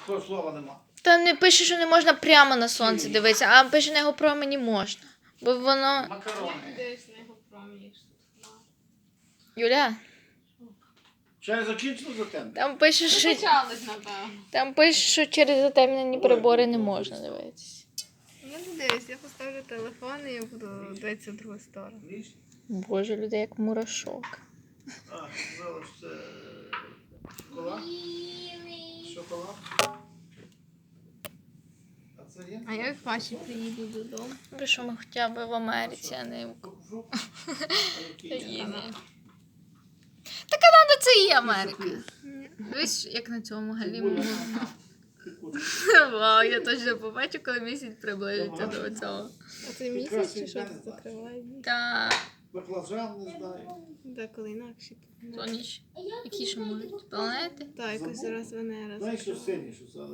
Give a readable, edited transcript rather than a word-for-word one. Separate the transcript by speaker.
Speaker 1: Того слова нема.
Speaker 2: Та не пише, що не можна прямо на сонце дивитися, а пише на його промені можна. Бо воно...
Speaker 1: Макарони.
Speaker 3: Дивись на його промені.
Speaker 2: Юля,
Speaker 1: Ще не закінчено за тем?
Speaker 2: там пише, що...
Speaker 3: Почалось, напевно.
Speaker 2: Там пише, що через затемнені прибори не можна дивитися.
Speaker 3: Я не дивись, я поставлю телефон і я буду дивитися в другу сторону.
Speaker 2: Боже, людей як мурашок.
Speaker 1: А, зараз це... Шоколад? Шоколад? А це є?
Speaker 3: А як ваші приїду додому?
Speaker 2: Ви що ми хоча б в Америці, а не в...
Speaker 1: Фрукт? А який є?
Speaker 2: Та Канада це і Америка. Дивись, як на цьому галіму. Вау, я точно побачу, коли місяць приблизиться до цього.
Speaker 3: А це місяць чи що тут закриває?
Speaker 2: Та
Speaker 1: Баклажан, не знаю.
Speaker 3: Деколи інакше.
Speaker 2: соніч, які ще можуть планети.
Speaker 3: Так, якось зараз Венера.
Speaker 1: Знаєш, що сині, що це?